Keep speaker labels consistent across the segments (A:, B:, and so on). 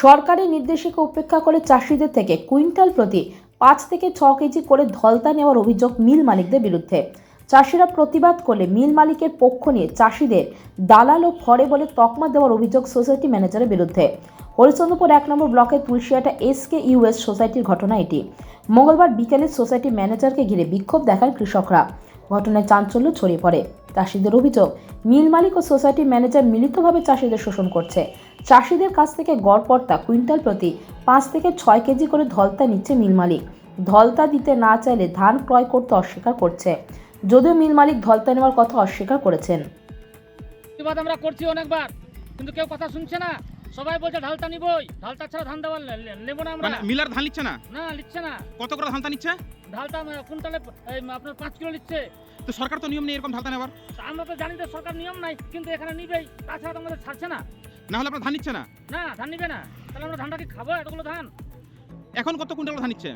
A: সরকারি নির্দেশিকা উপেক্ষা করে চাষিদের থেকে কুইন্টাল প্রতি 5 থেকে 6 কেজি করে ধলতা নেওয়ার অভিযোগ মিল মালিকদের বিরুদ্ধে। চাষিরা প্রতিবাদ করলে মিল মালিকের পক্ষ নিয়ে চাষিদের দালাল ও ফড়ে বলে তকমা দেওয়ার অভিযোগ সোসাইটি ম্যানেজারের বিরুদ্ধে। হরিচন্দ্রপুর 1 নম্বর ব্লকের তুলসিয়াটা SKUS সোসাইটির ঘটনা এটি। মঙ্গলবার বিকেলে সোসাইটি ম্যানেজারকে ঘিরে বিক্ষোভ দেখান কৃষকরা। ঘটনায় চাঞ্চল্য ছড়িয়ে পড়ে। চাষিদের অভিযোগ, মিল মালিক ও সোসাইটি ম্যানেজার মিলিতভাবে চাষিদের শোষণ করছে। চাষিদের কাছ থেকে গড়পড়তা কুইন্টাল প্রতি 5 থেকে 6 কেজি করে ধলতা নিচ্ছে মিল মালিক। ধলতা দিতে না চাইলে ধান ক্রয় করতে অস্বীকার করছে। যদিও মিল মালিক ধলতা নেওয়ার কথা অস্বীকার করেছেন।
B: প্রতিবাদ আমরা করছি অনেকবার, কিন্তু কেউ কথা শুনছে না। সবাই বলছে ঢালতা নিবই, ঢালতা ছাড়া ধান দেওয়া নেব না আমরা।
C: মানে মিলার ধান নিচ্ছে না?
B: না, নিচ্ছে না।
C: কত করে ধানটা নিচ্ছে?
B: ঢালতা কুইন্টালে আপনার 5 কিলো নিচ্ছে।
C: তো সরকার তো নিয়ম নেই এরকম ধালতা নেওয়ার।
B: আমরা তো জানি যে সরকার নিয়ম নাই, কিন্তু এখানে নিবেই, তাছাড়া তো আমাদের ছাড়ছে না।
C: না হলে আপনার ধান নিচ্ছে না?
B: না, ধান নিবে না। তাহলে আমরা ধানটা কি খাবো? এতগুলো ধান।
C: এখন কত কুইন্টাল ধান নিচ্ছে?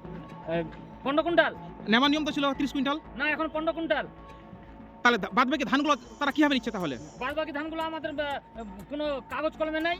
B: 15 কুইন্টাল।
C: নেওয়ার নিয়ম তো ছিল 30 কুইন্টাল।
B: না, এখন 15 কুইন্টাল।
C: তাহলে বাদ বাকি ধানগুলো তারা কিভাবে নিচ্ছে তাহলে?
B: বাদ বাকি ধানগুলো আমাদের কোনো কাগজ কলমে নাই।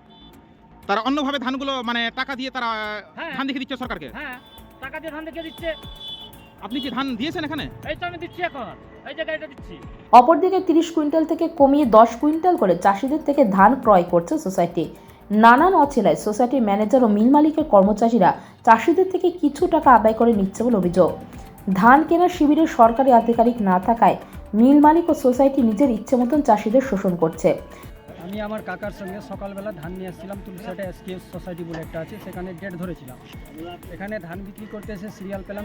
C: তারা অন্যভাবে ধানগুলো মানে টাকা দিয়ে তারা
B: হ্যাঁ।
C: ধান দেখে দিচ্ছে সরকারকে।
B: হ্যাঁ, টাকা দিয়ে ধান দেখে দিচ্ছে।
C: আপনি কি ধান দিয়েছেন এখানে?
B: এই তো আমি দিচ্ছি, এখন এই জায়গাটা দিচ্ছি।
A: অপরদিকে 30 কুইন্টাল থেকে কমিয়ে 10 কুইন্টাল করে চাষিদের থেকে ধান ক্রয় করছে সোসাইটি। নানান অছিলায় সোসাইটির ম্যানেজার ও মিল মালিকের কর্মচারীরা চাষিদের থেকে কিছু টাকা আদায় করে নিচ্ছে বলে অভিযোগ। ধান কেনার শিবিরে সরকারি আধিকারিক না থাকায় মিল মালিক ও সোসাইটি নিজের ইচ্ছে মতন চাষিদের শোষণ করছে।
D: আমি আমার কাকার সঙ্গে সকালবেলা ধান নিয়ে এসেছিলাম। তুলসিয়াটা SKUS সোসাইটি বলে একটা আছে, সেখানে ডেট ধরেছিলাম। এখানে ধান বিক্রি করতে এসে সিরিয়াল পেলাম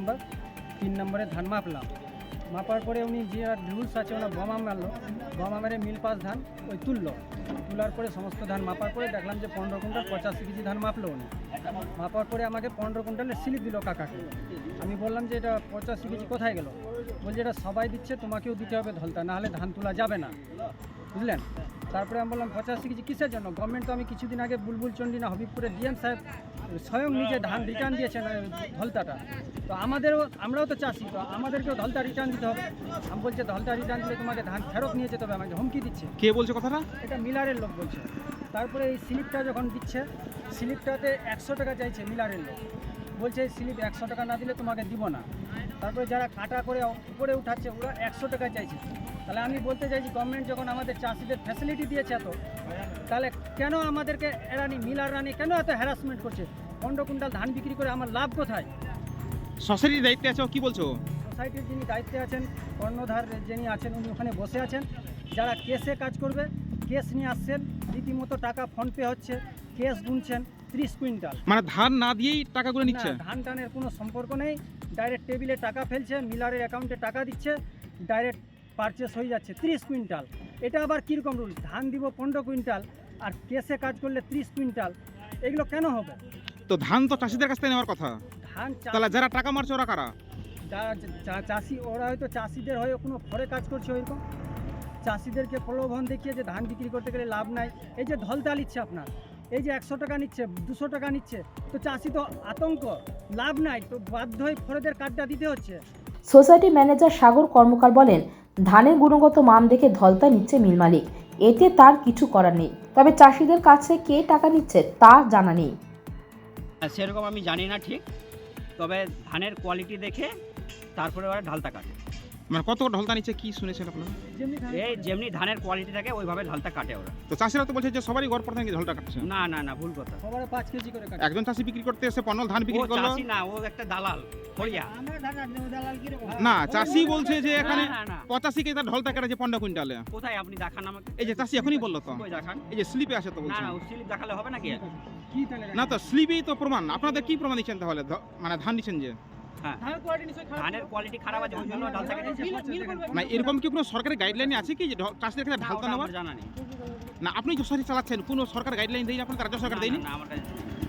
D: 3 নম্বরে ধান মাপলাম। মাপার পরে উনি যে রুলস আছে ওনার বোমা মারলো, বোমা মেরে মিল পাস ধান ওই তোলার পরে সমস্ত ধান মাপার পরে দেখলাম যে 15 কুইন্টাল 85 কেজি ধান মাপলো উনি। মাপার পরে আমাকে 15 কুইন্টালের স্লিপ দিল কাকাকে। আমি বললাম যে এটা 85 কেজি কোথায় গেল? বলছে এটা সবাই দিচ্ছে, তোমাকেও দিতে হবে ধলতা, না হলে ধান তোলা যাবে না, বুঝলেন? তারপরে আমি বললাম 85 কেজি কিসের জন্য? গভর্নমেন্ট তো আমি কিছুদিন আগে বুলবুল চন্ডী না হবিবপুরে ডিএম সাহেব স্বয়ং নিজে ধান রিটার্ন দিয়েছেন ধলতাটা। তো আমরাও তো চাষি, তো আমাদেরকেও ধলতা রিটার্ন দিতে হবে। আমি বলছে ধলতা রিটার্ন দিলে তোমাকে ধান ফেরত নিয়ে যেতে হবে, আমাকে হুমকি দিচ্ছে।
C: কে বলছে কথাটা?
D: এটা মিলারের লোক বলছে। তারপরে এই স্লিপটা যখন দিচ্ছে, স্লিপটাতে 100 টাকা চাইছে মিলারের লোক। বলছে এই স্লিপ 100 টাকা না দিলে তোমাকে দিব না। তারপরে যারা কাটা করে উপরে উঠাচ্ছে ওরা 100 টাকা চাইছে। তাহলে আমি বলতে চাইছি, গভর্নমেন্ট যখন আমাদের চাষিদের ফ্যাসিলিটি দিয়েছে এত, তাহলে কেন আমাদেরকে মিলার রানি কেন এত হ্যারাসমেন্ট করছে? 15 কুইন্টাল ধান বিক্রি করে আমার লাভ কোথায়?
C: সোসাইটির দায়িত্বে আছে, কি বলছো?
D: সোসাইটির যিনি দায়িত্বে আছেন, কর্ণধার যিনি আছেন, উনি ওখানে বসে আছেন। যারা কেসে কাজ করবে, কেস নিয়ে আসছেন, রীতিমতো টাকা ফোনপে হচ্ছে, কেস গুনছেন 30 কুইন্টাল।
C: মানে ধান না দিয়েই টাকাগুলো নিচ্ছে?
D: ধান টানের কোনো সম্পর্ক নেই, ডাইরেক্ট টেবিলে টাকা ফেলছে, মিলারের অ্যাকাউন্টে টাকা দিচ্ছে, ডাইরেক্ট পারচেস হয়ে যাচ্ছে 30 কুইন্টাল। এটা আবার কীরকম রুল? ধান দিব 15 কুইন্টাল আর কেসে কাজ করলে 30 কুইন্টাল, এগুলো কেন হবে?
C: তো ধান তো চাষিদের কাছ থেকে নেওয়ার কথা।
D: ধান
C: তাহলে যারা টাকা মারছে ওরা কারা?
D: যারা চাষি, ওরা হয়তো চাষিদের হয়ে কোনো ঘরে কাজ করছে ওইরকম। চাষিদেরকে প্রলোভন দেখিয়ে যে ধান বিক্রি করতে গেলে লাভ নাই। এই যে ধলতা নিচ্ছে আপনার, এই যে 100 টাকা নিচ্ছে, 200 টাকা নিচ্ছে, তো চাষি তো আতঙ্ক, লাভ নাই, তো বাধ্য হয়ে ফরেদের কার্ডটা দিতে হচ্ছে।
A: সোসাইটি ম্যানেজার সাগর কর্মকার বলেন, ধানের গুণগত মান দেখে ধলতা নিচ্ছে মিল মালিক, এতে তার কিছু করার নেই। তবে চাষিদের কাছে কে টাকা নিচ্ছে তা জানা নেই।
E: সেরকম আমি জানি না ঠিক, তবে ধানের কোয়ালিটি দেখে তারপরে ওরা ঢালতা কাটে।
C: মানে কত ঢলতা নিচ্ছে কি শুনেছেন আপনারা?
E: এই যেমনি ধানের কোয়ালিটি থাকে ওইভাবে ঢালতা কাটে ওরা।
C: তো চাষিরা তো বলছে যে সবারই গড় পড়তে নাকি ঢলটা কাটছে।
E: না না না, ভুল কথা।
D: সবার 5 কেজি করে কাটে।
C: একজন চাষি বিক্রি করতে এসে 15 ধান
E: ও
C: বিক্রি করলো।
E: চাষি না, ও একটা দালাল ফড়িয়া।
C: না, চাষি বলছে যে এখানে
E: না, না, না।
C: 85 কেজি তার ঢলটা কেটেছে 15 কুইন্টালে।
E: কোথায় আপনি দেখান আমাকে?
C: এই যে চাষি এখনই বললো তো,
E: কই দেখান?
C: এই যে স্লিপে আসে তো
E: না
C: বলছে।
E: না, ও স্লিপ দেখালে হবে নাকি?
D: কি তাহলে?
C: না তো স্লিপেই তো প্রমাণ। আপনাদের কি প্রমাণ দিচ্ছেন তাহলে? মানে ধান দিচ্ছেন যে
E: হ্যাঁ, ধানের কোয়ালিটি খারাপ আছে ওই জন্য ঢালতা কেটেছে।
C: না, এরকম কি কোনো সরকারি গাইডলাইন আছে কি যে চাষিদের কাছে
E: না,
C: ঢালতা
E: ওটা
C: নেওয়ার?
E: আমার জানা নেই।
C: না, আপনি যশোরে চালাচ্ছেন, কোনো সরকার গাইডলাইন দেয়নি আপনার? রাজ্য সরকার
E: না,
C: দেয়নি?
E: না, আমার কাছে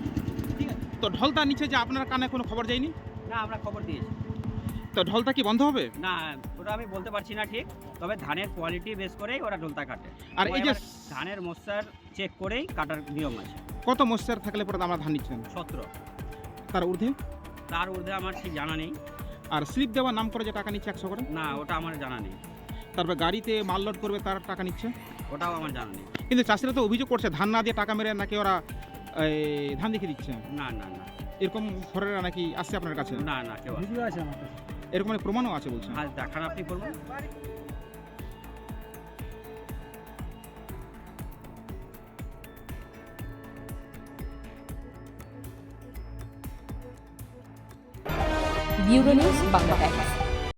C: তো ঢলতা নিচে যে আপনার কানে কোনো খবর যায়নি?
E: না, আমরা খবর দিয়েছি।
C: তো ঢলতা কি বন্ধ হবে?
E: না, ওটা আমি বলতে পারছি না ঠিক, তবে ধানের কোয়ালিটি বেস করেই ওরা ঢোলতা কাটে।
C: আর এই যে
E: ধানের মশার চেক করেই কাটার নিয়ম আছে।
C: কত মশার থাকলে পরে আমরা ধান নিচ্ছেন?
E: 17,
C: তার ঊর্ধ্বে?
E: তার ঊর্ধ্বে আমার ঠিক জানা নেই।
C: আর স্লিপ দেওয়ার নাম করে যে টাকা নিচ্ছে 100 করে?
E: না, ওটা আমার জানা নেই।
C: তারপর গাড়িতে মাল লোড করবে তার টাকা নিচ্ছে?
E: ওটাও আমার জানা নেই।
C: কিন্তু চাষিরা তো অভিযোগ করছে ধান না দিয়ে টাকা মেরে নাকি ওরা ধান দেখে দিচ্ছে?
E: না না না
C: এরকম ঘরেরা নাকি আসছে আপনার কাছে?
E: না না কেউ আসে না।
D: ভিডিও আছে আমার কাছে।
C: এরকম মানে প্রমাণও আছে বলছেন?
E: আজ দেখান আপনি করবেন।
A: Bureau news Bangla Times.